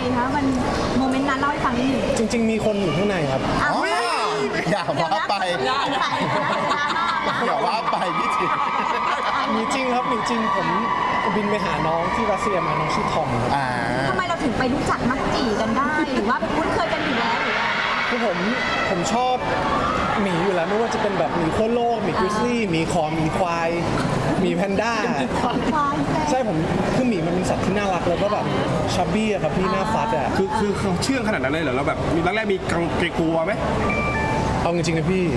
คะมันโมเมนต์นั้นเล่าให้ฟังนิดหนึ่งจริงๆมีคนอยู่ข้างในครับอ้าวอย่าว่าไปอย่าว่าไปพี่จิมีจริงครับมีจริงผมบินไปหาน้องที่รัสเซียมาน้องชื่อทอมครับทำไมเราถึงไปรู้จักมักจีกันได้หรือว่าคุ้นเคยกันอยู่แล้วหรือว่าคือผมชอบหมีอยู่แล้วไม่ว่าจะเป็นแบบหมีโคโลกหมีกริซลี่หมีคอหมีควายหมีแพนด้าควายแซ่ใช่ผมคือหมีมันเป็นสัตว์ที่น่ารักแล้วก็แบบชับบี้อะครับพี่หน้าฟัดอะคือเขาเชื่องขนาดนั้นเลยเหรอเราแบบมีแรกๆมีกังกลัวไหมเอาจริงๆนะพี่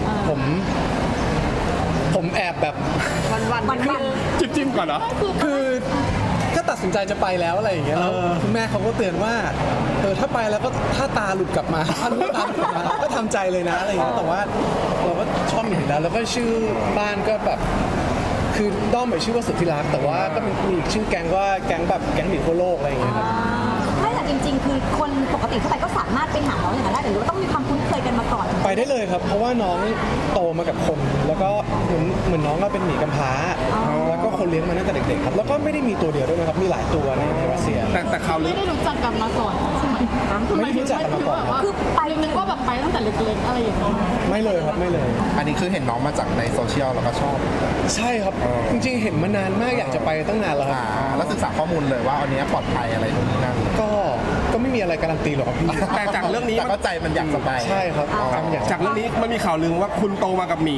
ผมแอบแบบวันจิ้มก่อนเหรอคือก็ตัดสินใจจะไปแล้วอะไรอย่างเงี้ยแล้วคุณแม่เขาก็เตือนว่าถ้าไปแล้วก็ถ้าตาหลุดกลับมาถ้าลูกตาหลุดกลับมาก็ทำใจเลยนะอะไรอย่างเงี้ยแต่ว่าเราก็ชอบหมีแล้วก็ชื่อบ้านก็แบบคือด้อมแบบชื่อว่าสุดที่รักแต่ว่าก็มีอีกชื่อแก๊งว่าแก๊งแบบแก๊งหมีทั่วโลกอะไรอย่างเงี้ยครับไม่แต่จริงๆ คือคนปกติทั่วไปก็สามารถไปหาน้องอย่างนั้นได้หรือว่าต้องมีความคุ้นเคยกันมาก่อนไปได้เลยครับเพราะว่าน้องโตมากับคน แล้วก็เหมือนน้องก็เป็นหมีกำพร้าแล้วก็คนเลี้ยงมาตั้งแต่เด็กๆครับแล้วก็ไม่ได้มีตัวเดียวด้วยนะครับมีหลายตัวในรัสเซียแต่ข่าวลือไม่ได้รู้จักกันมาก่อนใช่ไหมไม่ได้รู้จักกันมาก่อนครับคือไปนึกว่าแบบไปตั้งแต่เล็กๆอะไรอย่างเงี้ยไม่เลยครับไม่เลยอันนี้คือเห็นน้องมาจากในโซเชียลแล้วก็ชอบใช่ครับจริงๆเห็นมานานมากอยากจะไปตั้งนานแล้วครับแล้วศึกษาข้อมูลเลยว่าอันนี้ปลอดภัยอะไรตรงนี้นั่นก็ไม่มีอะไรการันตีหรอกครับพี่แต่จากเรื่องนี้แต่ก็ใจมันอยากจะไปใช่ครับอยากจากเรื่องนี้มันมีข่าวลือว่าคุณโตมากับหมี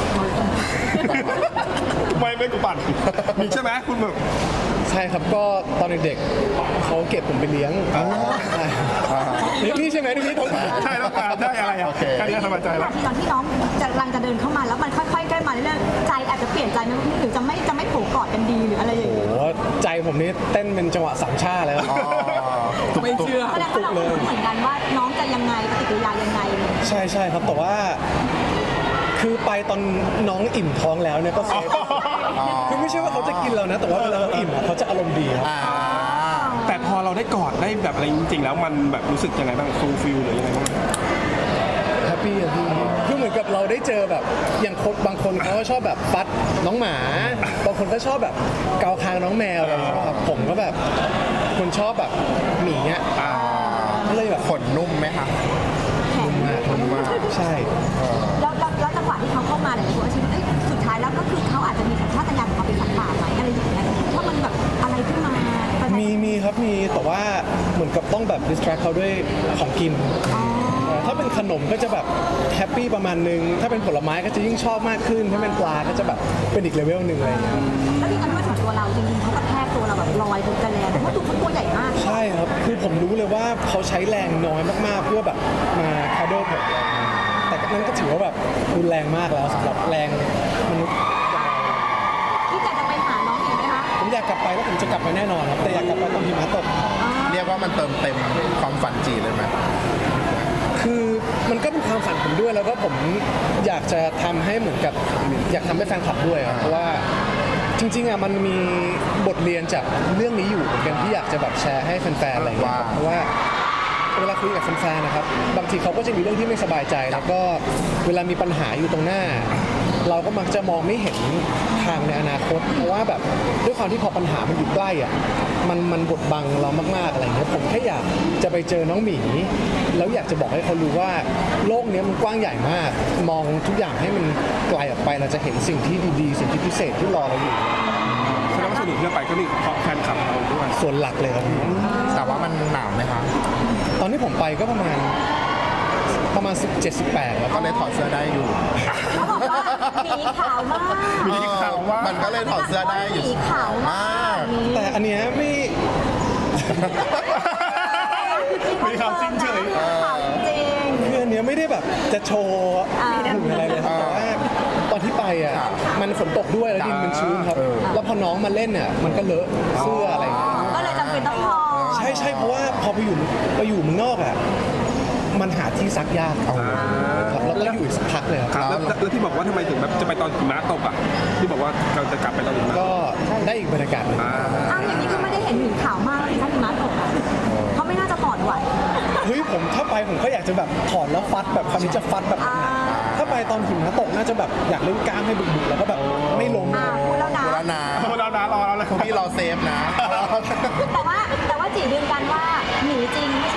ไม่กูปั่นมีใช่ไหมคุณแบบใช่ครับก็ตอนเด็กๆเขาเก็บผมไปเลี้ยงนี่ใช่ไหมที่พี่ท้องใช่แล้วการได้อะไรอ่ะแค่นี้สบายใจแล้วตอนที่น้องกำลังจะเดินเข้ามาแล้วมันค่อยๆใกล้มาเรื่อยๆใจอาจจะเปลี่ยนใจไหมหรือจะไม่โผล่กอดกันดีหรืออะไรอย่างโอ้เงี้ยโหใจผมนี่เต้นเป็นจังหวะสามชาติเลยครับไม่เชื่อแสดงว่าเราก็รู้เหมือนกันว่าน้องจะยังไงปฏิกิริยายังไงใช่ครับแต่ว่าคือไปตอนน้องอิ่มท้องแล้วเนี่ยก็เซฟคือไม่ใช่ว่าเขาจะกินเรานะ แต่ว่าเวลาเขาอิ่มอะเขาจะอารมณ์ดีครับแต่พอเราได้กอดได้แบบอะไรจริงๆแล้วมันแบบรู้สึกยังไงบ้างฟูลฟิลหรือยังไงบ้างแฮปปี้อะพี่คือเหมือนกับเราได้เจอแบบอย่างคนบางคนเขาก็ชอบแบบฟัดน้องหมาบางคนก็ชอบแบบเกาคางน้องแมวอะไรอย่างเงี้ยครับผมก็แบบคนชอบแบบหมีเงี้ยก็เลยแบบขนนุ่มไหมคะแข็งนุ่มมากใช่แล้วจังหวะที่เขาเข้ามาเนี่ยผมคิดว่าสุดท้ายแล้วก็คือเขาอาจจะมีสัญชาตญาณของเขาเป็นสัตว์ป่าไหมอะไรอย่างเงี้ยถ้ามันแบบอะไรขึ้นมามีครับมีแต่ว่าเหมือนกับต้องแบบ distract เขาด้วยของกินถ้าเป็นขนมก็จะแบบแฮปปี้ประมาณนึงถ้าเป็นผลไม้ก็จะยิ่งชอบมากขึ้นถ้าเป็นปลาก็จะแบบเป็นอีกเลเวลหนึ่งอะไรอย่างเงี้ยแล้วที่กันด้วยของตัวเราจริงๆเขากระแทกตัวเราแบบลอยบนกระแลแต่ว่าตัวใหญ่มากใช่ครับคือผมรู้เลยว่าเขาใช้แรงน้อยมากๆเพื่อแบบมาคาโดผมแต่นั่นก็ถือว่าแบบรุนแรงมากแล้วสำหรับแรงมนุษย์ที่จะไปหาน้องอีกไหมคะผมอยากกลับไปแล้วผมจะกลับไปแน่นอนครับแต่อยากกลับไปตอนหิมะตกเรียกว่ามันเติมเต็มความฝันจีเลยไหมคือมันก็เป็นความฝันผมด้วยแล้วก็ผมอยากจะทำให้เหมือนกับอยากทำให้แฟนคลับด้วยครับเพราะว่าจริงๆอ่ะมันมีบทเรียนจากเรื่องนี้อยู่เหมือนกันที่อยากจะแบบแชร์ให้แฟนๆอะไรอย่างเงี้ยครับเพราะว่าเวลาคุยกับแฟนๆนะครับบางทีเขาก็จะมีเรื่องที่ไม่สบายใจแล้วก็เวลามีปัญหาอยู่ตรงหน้า เราก็มักจะมองไม่เห็นทางในอนาคตเพราะว่าแบบด้วยความที่พอปัญหามันอยู่ใกล้อ่ะมันบดบังเรามากๆอะไรอย่างเงี้ยผมแค่อยากจะไปเจอน้องหมีแล้วอยากจะบอกให้เขารู้ว่าโลกนี้มันกว้างใหญ่มาก มองทุกอย่างให้มันไกลออกไปเราจะเห็นสิ่งที่ดีๆสิ่งที่พิเศษที่รอเราอยู่แสดงว่าสนุกที่เราไปก็มีเพราะแฟนคลับเราด้วยส่วนหลักเลยครับพี่แต่ว่ามันหนาวไหมคะตอนที่ผมไปก็ประมาณ17-18แล้วก็เลยถอดเสื้อได้อยู่เขาบอกว่าหมีขาวมากมีข่าวว่ามันก็เลยถอดเสื้อได้อยู่หมีขาวมากแต่อันเนี้ยไม่มีข่าวจริงเฉยขาวจริงคืออันเนี้ยไม่ได้แบบจะโชว์หุ่นอะไรเลยครับแต่ว่าตอนที่ไปอ่ะมันฝนตกด้วยแล้วดินมันชื้นครับ แล้วพอน้องมาเล่นเนี่ยมันก็เลอะเสื้ออะไรอย่างเงี้ยก็เลยจำเป็นต้องพอใช่เพราะว่าพอไปอยู่เมืองนอกอ่ะมันหาที่ซักยากครับแล้วก็อยู่อีกสักพักเลยครับแล้วที่บอกว่าทำไมถึงแบบจะไปตอนหิมะตกอ่ะที่บอกว่าเราจะกลับไปตอนหิมะก็ได้อีกบรรยากาศหนึ่งอ้าวอย่างนี้คือไม่ได้เห็นหมีขาวมากเลยถ้าหิมะตกอ่ะเขาไม่น่าจะถอดไหวเฮ้ยผมถ้าไปผมก็อยากจะแบบถอดแล้วฟัดแบบคำนี้จะฟัดแบบหนักๆถ้าไปตอนหิมะตกน่าจะแบบอยากเล่นกล้ามให้บึกๆแล้วก็แบบไม่ล้มพูดแล้วนะแล้วนะเรารอแล้วพี่รอเซฟนะแต่ว่าจียืนยันว่าหมีจริงไม่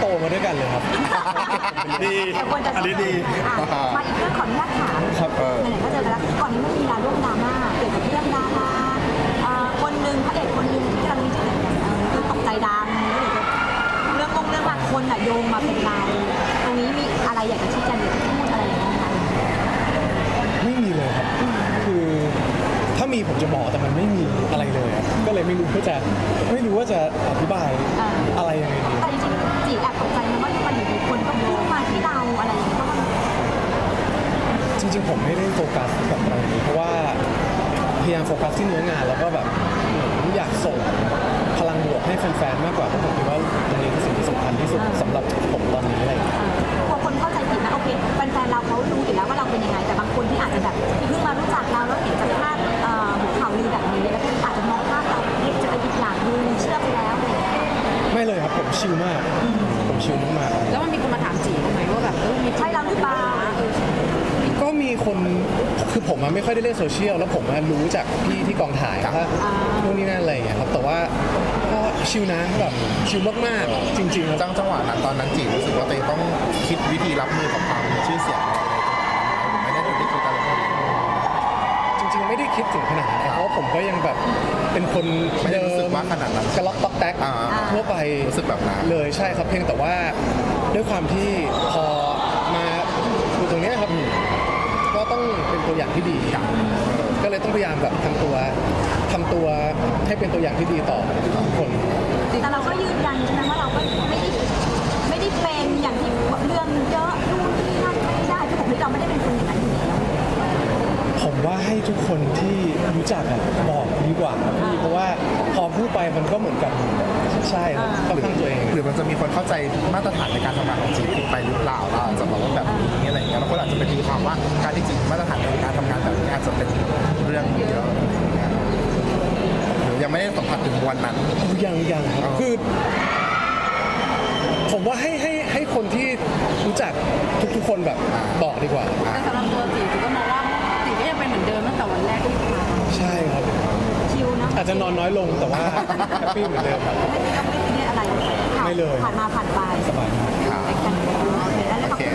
โตมาด้วยกันเลยครับดีแต่ควรจะอันนี้ดีมาอีกเรื่องขออนุญาตถามครับไหนๆก็เจอกันแล้วก่อนนี้มันมีดราม่าเกี่ยวกับเรื่องดาราคนหนึ่งพระเอกคนหนึ่งที่กำลังมีชื่อคือตกใจดังเรื่องหลักคนโยงมาเป็นเราตรงนี้มีอะไรอยากจะชี้แจงหรือพูดอะไรอย่างเงี้ยไหมคะไม่มีเลยครับ คือถ้ามีผมจะบอกแต่มันไม่มีอะไรเลยอะก็เลยไม่รู้ว่าจะอธิบายอะไรยังไงดีแต่จริงๆจีแอบตกใจนะว่ามันอยู่ๆคนก็พุ่งมาที่เราอะไรอย่างเงี้ยเพราะว่าจริงๆผมไม่ได้โฟกัสกับอะไรนี้เพราะว่าพยายามโฟกัสที่เนื้องานแล้วก็แบบเหมือนอยากส่งพลังบวกให้แฟนๆมากกว่าเพราะผมคิดว่าตรงนี้คือสิ่งที่สำคัญที่สุดสำหรับผมตอนนี้อะไรอย่างเงี้ยพอคนเข้าใจผิดนะโอเคแฟนๆเราเขารู้อยู่แล้วว่าเราเป็นยังไงแต่บางคนที่อาจจะแบบเพิ่งมารู้จักเราแล้วเห็นจากภาพหัวข่าวลือแบบนี้แล้วอาจจะมองภาพเราจะเป็นอีกอย่างนึงเชื่อไปแล้วอะไรอย่างเงี้ยไม่เลยครับผมชิลมาก ผมชิลมากๆแล้วมันมีคนมาถามจีไหมว่าแบบมีใช่เราหรือเปล่าก็มีคนคือผมไม่ค่อยได้เล่นโซเชียลแล้วผมรู้จากพี่ที่กองถ่ายว่านู่นนี่นั่นอะไรอย่างเงี้ยครับแต่ว่าก็ชิลนะแบบชิลมากๆจริงๆครับจังหวะนั้นตอนนั้นจีรู้สึกว่าตัวเองต้องคิดวิธีรับมือกับความชื่อเสียงอะไรไม่ได้ถึงที่คิดอะไรเลยจริงๆไม่ได้คิดถึงขนาดนั้นเพราะว่าผมก็ยังแบบเป็นคนไม่ได้เดิรู้สึมกว่าขนาดนั้นกระล็อกต๊อกแต๊กอ่าทั่วไปรู้สึกแบบนั้นเลยใช่ครับเพียงแต่ว่าด้วยความที่พอมาอยู่ตรงเนี้ยครับก็ต้องเป็นตัวอย่างที่ดีก็เลยต้องพยายามแบบทำตัวให้เป็นตัวอย่างที่ดีต่อทุกคนแต่เราก็ยืนยันใช่ไหมว่าเราก็ไม่ได้เป็นอย่างที่เรื่องเยอะนู่นนี่นั่นไม่ได้คือผมที่เราไม่ได้เป็นคนอย่างนั้นอยู่แล้วผมว่าให้ทุกคนที่รู้จักบอกดีกว่าครับพี่เพราะว่าพอพูดไปมันก็เหมือนกับใช่ครับค่อนข้างตัวเองหรือมันจะมีคนเข้าใจมาตรฐานในการทำงานของจีผิดไปหรือเปล่าเราอาจจะบอกว่าแบบนี้อะไรอย่างเงี้ยบางคนอาจจะไปตีความว่าการที่จีมาตรฐานในการทำงานแบบนี้อาจจะเป็นเรื่องเยอะหรือยังไม่ได้สัมผัสถึงวันนั้นยังครับอ๋อคือผมว่าให้คนที่รู้จักทุกๆคนแบบบอกดีกว่าแต่สำหรับตัวจีก็มองว่าจีก็ยังเป็นเหมือนเดิมตั้งแต่วันแรกที่มาใช่ครับชิลนะอาจจะนอนน้อยลงแต่ว่าแฮปปี้เหมือนเดิมครับไม่ได้อะไรไม่เลยผ่านมาผ่านไปสบายมากโอเคแล้วขอบคุณ